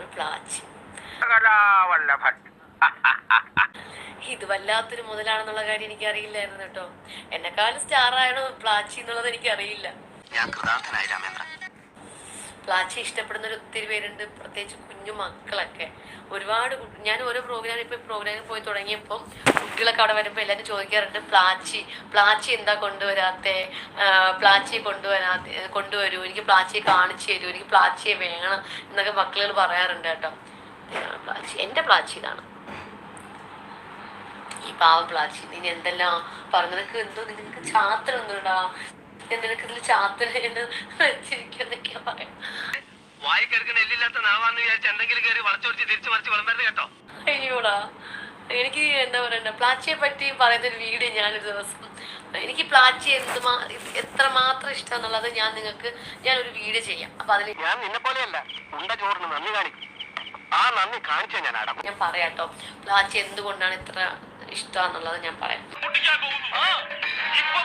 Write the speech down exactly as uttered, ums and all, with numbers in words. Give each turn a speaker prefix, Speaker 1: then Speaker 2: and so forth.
Speaker 1: പ്ലാച്ചി. ഇത് വല്ലാത്തൊരു മുതലാണെന്നുള്ള കാര്യം എനിക്ക് അറിയില്ലായിരുന്നു കേട്ടോ. എന്നെക്കാളും സ്റ്റാർ ആണോ പ്ലാച്ചി എന്നുള്ളത് എനിക്ക് അറിയില്ല. പ്ലാച്ചി ഇഷ്ടപ്പെടുന്ന ഒത്തിരി പേരുണ്ട്, പ്രത്യേകിച്ച് കുഞ്ഞു മക്കളൊക്കെ. ഒരുപാട് ഞാൻ ഓരോ പ്രോഗ്രാം ഇപ്പൊ പ്രോഗ്രാമിൽ പോയി തുടങ്ങിയപ്പോൾ കുട്ടികളൊക്കെ അവിടെ വരുമ്പോൾ എല്ലാവരും ചോദിക്കാറുണ്ട്, പ്ലാച്ചി പ്ലാച്ചി എന്താ കൊണ്ടുവരാത്തെ, പ്ലാച്ചി കൊണ്ടുവരാത്തെ കൊണ്ടുവരൂ, എനിക്ക് പ്ലാച്ചിയെ കാണിച്ചു തരൂ, എനിക്ക് പ്ലാച്ചിയെ വേണം എന്നൊക്കെ മക്കളുകൾ പറയാറുണ്ട് കേട്ടോ. പ്ലാച്ചി എന്റെ പ്ലാച്ചി ഇതാണ്, ഈ പാവ പ്ലാച്ചി. നീ എന്തെല്ലാം പറഞ്ഞു, നിനക്ക് എന്തോ നിനക്ക് ചാത്രം ഒന്നുണ്ടാ, നിനക്ക് ഇതിൽ ചാത്തന എന്ന് വെച്ചിരിക്കുന്നൊക്കെയാ പറയാം. അയ്യോടാ, എനിക്ക് എന്താ പറയണ്ട, പ്ലാച്ചിയെ പറ്റി പറയുന്ന ഒരു വീഡിയോ ഞാനൊരു ദിവസം, എനിക്ക് പ്ലാച്ചി എന്തുമാ എത്രമാത്രം ഇഷ്ടം എന്നുള്ളത് ഞാൻ നിങ്ങൾക്ക് ഞാനൊരു വീഡിയോ ചെയ്യാം. അപ്പൊ അതിൽ ഞാൻ നിന്നെ പോലെയല്ല നന്ദി കാണിക്കും, ആ നന്ദി കാണിച്ചാ ഞാൻ ഞാൻ പറയാട്ടോ പ്ലാച്ചി എന്തുകൊണ്ടാണ് ഇത്ര ഇഷ്ടം എന്നുള്ളത് ഞാൻ പറയാം.